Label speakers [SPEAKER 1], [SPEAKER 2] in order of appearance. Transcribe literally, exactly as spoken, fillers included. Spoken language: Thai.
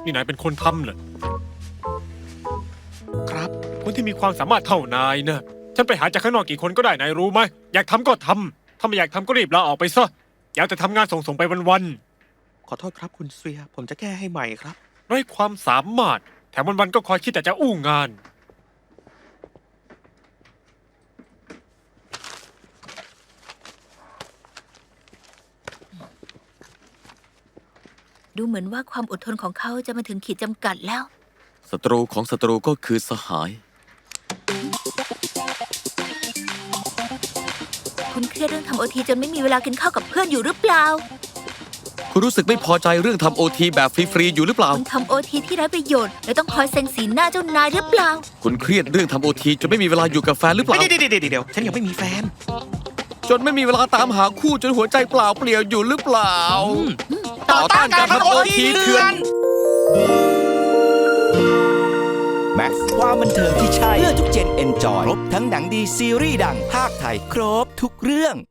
[SPEAKER 1] นี่นายเป็นคนทำเหรอ
[SPEAKER 2] ครับ
[SPEAKER 1] คนที่มีความสามารถเท่านายนะฉันไปหาจากข้างนอกกี่คนก็ได้นายรู้ไหมอยากทำก็ทำถ้าไม่อยากทำก็รีบลาออกไปซะอยากจะทำงานส่งๆไปวัน
[SPEAKER 2] ขอโทษครับคุณเซีย ผมจะแก้ให้ใหม่ครับ
[SPEAKER 1] ๆไร้ความสามารถแถมวันๆก็คอยคิดแต่จะอู้งาน
[SPEAKER 3] ดูเหมือนว่าความอดทนของเขาจะมาถึงขีดจำกัดแล้ว
[SPEAKER 4] ศัตรูของศัตรูก็คือสหาย
[SPEAKER 3] คุณเครียดเรื่องทำโอทีจนไม่มีเวลากินข้าวกับเพื่อนอยู่หรือเปล่า
[SPEAKER 4] คุณรู้สึกไม่พอใจเรื่องทำโอทีแบบฟรีๆอยู่หรือเปล่า
[SPEAKER 3] คุณทำโอทีที่ไร้ประโยชน์และต้องคอยเซ็งสีหน้าเจ้านายหรือเปล่า
[SPEAKER 4] คุณเครียดเรื่องทำโอทีจนไม่มีเวลาอยู่กับแฟนหรือเปล่า
[SPEAKER 2] เดี๋ยวเดี๋ยวเดี๋ยวเดี๋ยวฉันยังไม่มีแฟน
[SPEAKER 4] จนไม่มีเวลาตามหาคู่จนหัวใจเปล่าเปลี่ยวอยู่หรือเปล่า
[SPEAKER 2] ต่อต้านการทำ โอ ที
[SPEAKER 4] เถื่อน
[SPEAKER 5] แม็กซ์ความบันเทิงที่ใช่เพื่อทุกเจนเอนจอยครบทั้งหนังดีซีรีส์ดังภาคไทย ครบทุกเรื่อง